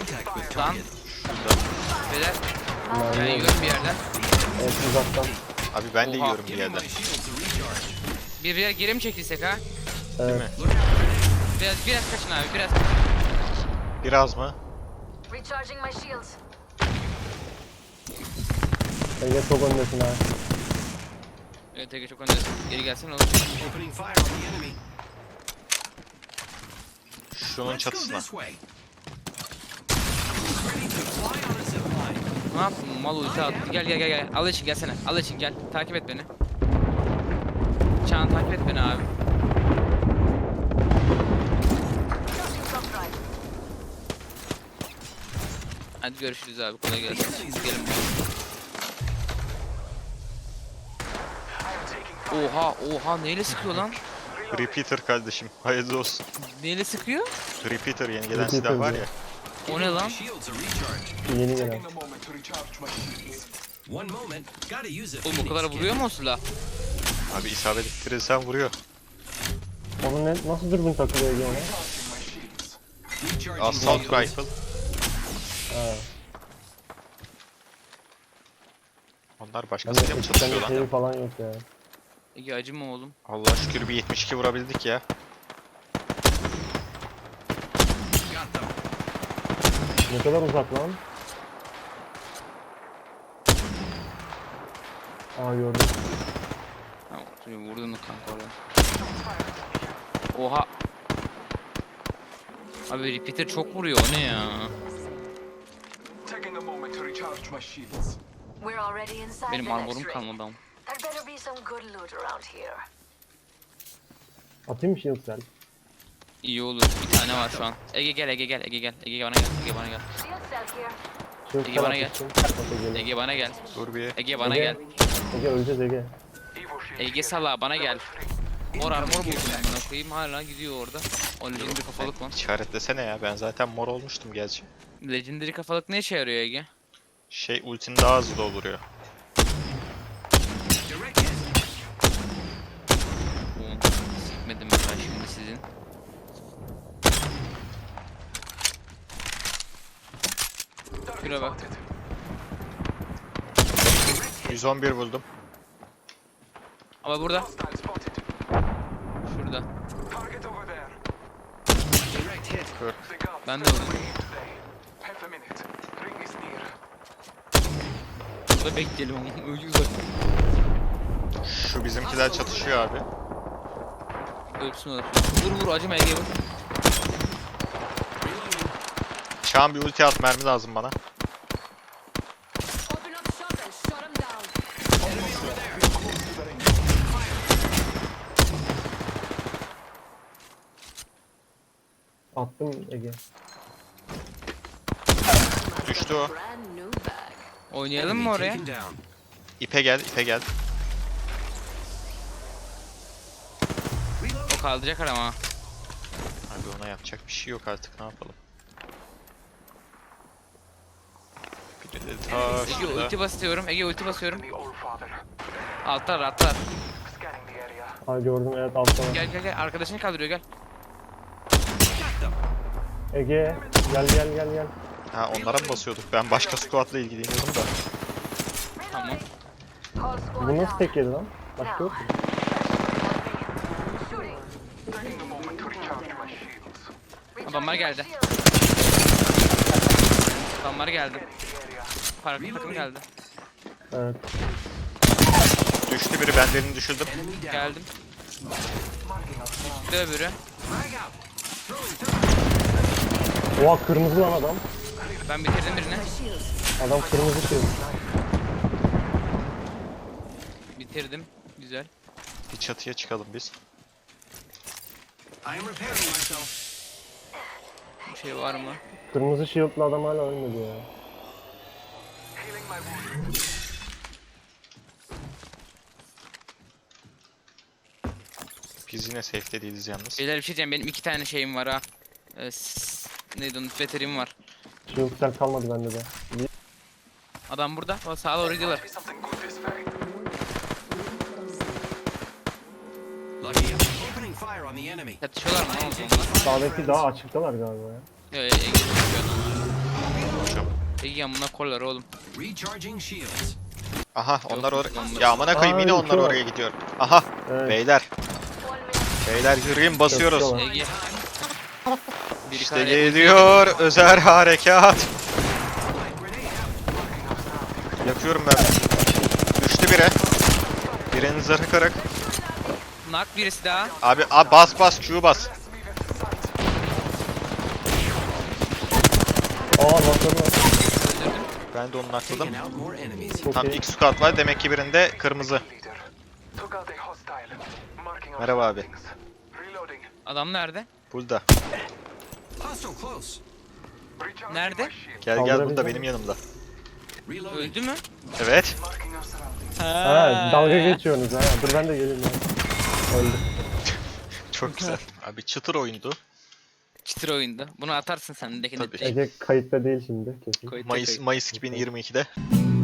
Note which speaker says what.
Speaker 1: Lan. Beyler. Ben
Speaker 2: Mermi
Speaker 1: yiyorum bir yerden.
Speaker 2: evet, uzaktan.
Speaker 3: Abi ben de
Speaker 1: Oha.
Speaker 3: yiyorum bir yerden.
Speaker 1: Bir yer geri mi çekilsek ha?
Speaker 3: Değil
Speaker 2: Evet.
Speaker 3: mi?
Speaker 1: Biraz kaçın abi biraz kaçın.
Speaker 3: Biraz mı?
Speaker 4: Recharging my shields.
Speaker 2: Ege çok öndesin ha.
Speaker 1: Evet Ege çok öndesin. Geri gelsene oğlum.
Speaker 5: Opening fire on the enemy.
Speaker 3: Şunun
Speaker 5: Let's go
Speaker 3: çatısına.
Speaker 5: this way. Ready to fly on a zip line.
Speaker 1: Ne yaptın? Mal ulti attı. Gel. Al için gelsene. Al için gel. Takip et beni. Çağan takip et beni abi.
Speaker 4: Charging top drive.
Speaker 1: Hadi görüşürüz abi. Kolay gelsin. Gelin. Oha neyle sıkıyor lan?
Speaker 3: Repeater kardeşim. Hayırlı olsun.
Speaker 1: Neyle sıkıyor?
Speaker 3: Repeater yeni gelen
Speaker 2: Repeater
Speaker 3: silah var
Speaker 2: diyor.
Speaker 3: ya.
Speaker 1: O ne lan?
Speaker 5: Shields are recharged.
Speaker 2: Yeni gelen.
Speaker 5: One moment. Gotta use it.
Speaker 1: Oğlum o kadar vuruyor mu o silah?
Speaker 3: Abi isabet ettirirsen vuruyor.
Speaker 2: Onun nasıl dürbün takılıyor Ege ona?
Speaker 5: Recharging
Speaker 3: Assault
Speaker 5: shields.
Speaker 3: rifle.
Speaker 2: Ha.
Speaker 3: Onlar
Speaker 2: Ben
Speaker 3: başkasıyla mı
Speaker 2: de
Speaker 3: çalışıyor lan?
Speaker 2: şeyi falan yok ya.
Speaker 1: Ege acıma oğlum.
Speaker 3: Allah şükür bir 72 vurabildik ya.
Speaker 5: Got them.
Speaker 2: Ne kadar uzak lan? Aa gördüm.
Speaker 1: Tamam, şimdi vurdun kanka oraya. Oha. Abi repeater çok vuruyor o ne ya?
Speaker 6: Taking a moment to recharge my shields.
Speaker 4: We're already inside
Speaker 1: Benim
Speaker 4: the next
Speaker 1: armorum
Speaker 4: ring.
Speaker 1: kalmadı ama.
Speaker 4: There better be some good loot around here.
Speaker 2: Atayım mı shield cell?
Speaker 1: İyi olur. Bir tane var şu an. Ege gel. Ege bana gel.
Speaker 4: Shield cell here.
Speaker 2: Shield
Speaker 1: Ege
Speaker 2: cell
Speaker 1: bana gel.
Speaker 2: atmıştım. Bak Ege'yle.
Speaker 1: Ege bana gel.
Speaker 3: Dur bir.
Speaker 1: Ege bana
Speaker 2: Ege.
Speaker 1: gel.
Speaker 2: Ege öleceğiz Ege.
Speaker 6: Evo shield
Speaker 1: Ege
Speaker 6: here.
Speaker 1: sala bana gel. Mor armor buldum ben koyayım hala gidiyor orada. O legendary kafalık var.
Speaker 3: İşaretlesene ya, ben zaten mor olmuştum gerçi.
Speaker 1: Legendary kafalık ne işe yarıyor Ege?
Speaker 3: Şey, ultin daha hızlı dolduruyor.
Speaker 5: Direct hit.
Speaker 1: Sikmedim ben şimdi sizin. Şuraya bak.
Speaker 3: 111 buldum.
Speaker 1: Ama burada.
Speaker 6: Hostile spotted.
Speaker 1: Şurada.
Speaker 6: Target over there.
Speaker 5: Direct hit.
Speaker 3: Kör.
Speaker 6: The guards
Speaker 1: Ben de
Speaker 6: stay
Speaker 1: öyle.
Speaker 6: away today. Half a minute. Ring is near.
Speaker 1: Burada bekleyelim ama öyle uzak.
Speaker 3: Şu bizimkiler çatışıyor abi.
Speaker 1: Ölsün olur. Vur acıma Ege vur.
Speaker 3: Çağan bir ulti at, mermi lazım bana.
Speaker 4: Open up shop and shut them down.
Speaker 2: Attım Ege.
Speaker 3: Düştü o.
Speaker 4: Brand new bag.
Speaker 1: Oynayalım mı oraya?
Speaker 5: Taken down.
Speaker 3: İpe gel, ipe gel.
Speaker 1: O kaldıracak ama.
Speaker 3: Abi ona yapacak bir şey yok artık, ne yapalım. Bir de ta
Speaker 1: Ege
Speaker 3: şurada.
Speaker 1: ulti basıyorum. Ege ulti basıyorum.
Speaker 6: The old father.
Speaker 1: Atlar.
Speaker 6: Scanning the area.
Speaker 2: Aa gördüm evet altta var.
Speaker 1: Gel. Arkadaşını kaldırıyor gel.
Speaker 5: Got them.
Speaker 2: Ege gel.
Speaker 3: Ha, onlara mı basıyorduk? Ben başka squad'la ilgileniyordum da.
Speaker 1: Tamam.
Speaker 4: Call squad
Speaker 2: Bu nasıl
Speaker 4: down.
Speaker 2: tek yedi lan? Başka yok mu?
Speaker 4: Shooting.
Speaker 6: Taking a moment to recharge my shields.
Speaker 1: Adamlar geldi.
Speaker 4: Shields.
Speaker 1: Adamlar geldi.
Speaker 6: The area.
Speaker 1: Takım geldi.
Speaker 2: Evet.
Speaker 3: Düştü biri, ben birini düşürdüm.
Speaker 5: Enemy down.
Speaker 1: Geldim. Bir öbürü.
Speaker 5: Frag out. Throwing thermite.
Speaker 2: Oha kırmızı lan adam.
Speaker 1: Ben bitirdim birini.
Speaker 2: Adam kırmızı shield.
Speaker 1: Bitirdim. Güzel.
Speaker 3: Bir çatıya çıkalım biz.
Speaker 5: I am repairing myself.
Speaker 1: Bir şey var mı?
Speaker 2: Kırmızı shield'lı adam hala ölmedi ya.
Speaker 6: Healing my wound.
Speaker 3: Biz yine safe'de değiliz yalnız.
Speaker 1: Beyler bir şey diyeceğim. Benim 2 tane şeyim var ha. Neydi onun? Veterim var.
Speaker 2: Shield cell kalmadı bende de.
Speaker 1: Adam burada. O sağa doğru gidiyorlar.
Speaker 6: Be something good this way.
Speaker 5: Lucky. Opening fire on the enemy.
Speaker 1: Yatışıyorlar mı? Ne oldu onlar?
Speaker 2: Sağdaki daha açıktalar galiba ya.
Speaker 1: Yo, Ege düşüyor adamlar. Ege amına kollar oğlum.
Speaker 5: Recharging shields.
Speaker 3: Aha onlar
Speaker 1: Yok,
Speaker 3: oraya.
Speaker 1: yok.
Speaker 3: Ya amına koyayım yine
Speaker 2: Aa,
Speaker 3: onlar
Speaker 2: uçuyor.
Speaker 3: oraya gidiyor. Aha
Speaker 2: Evet.
Speaker 3: beyler.
Speaker 4: One minute.
Speaker 3: Beyler yürüyün basıyoruz.
Speaker 2: Yapıyorlar.
Speaker 1: Ege. Biri
Speaker 3: İşte
Speaker 1: kare-
Speaker 3: geliyor özel harekat. Yakıyorum ben. Düştü biri. Birinin zırhı kırık.
Speaker 1: Nak birisi daha.
Speaker 3: Abi bas Q bas.
Speaker 2: Aa bakın.
Speaker 1: Öldürdüm.
Speaker 3: Ben de onu nakladım.
Speaker 5: Taking out more enemies.
Speaker 2: Çok
Speaker 3: Tam
Speaker 2: iyi.
Speaker 3: ilk squad var demek ki birinde kırmızı.
Speaker 6: Leader. Took out a hostile. Marking our
Speaker 3: Merhaba abi.
Speaker 6: surroundings. Reloading.
Speaker 1: Adam nerede?
Speaker 3: Burada.
Speaker 5: Hostile close.
Speaker 6: Recharging
Speaker 1: Nerede?
Speaker 6: my shield.
Speaker 3: Gel
Speaker 2: Kaldırabilecek
Speaker 3: burada
Speaker 2: misin?
Speaker 3: benim yanımda.
Speaker 5: Reloading.
Speaker 1: Öldü mü?
Speaker 3: Evet.
Speaker 6: Marking our surroundings.
Speaker 2: Ha dalga geçiyorsunuz ha. Dur ben de geleyim ya. Öldü.
Speaker 3: Çok güzel. Abi çıtır oyundu.
Speaker 1: Çıtır oyundu. Bunu atarsın sen de.
Speaker 3: Tabii.
Speaker 2: Ege kayıtta değil şimdi kesin.
Speaker 1: Koyut da
Speaker 3: Mayıs
Speaker 1: koyut.
Speaker 3: Mayıs 2022'de.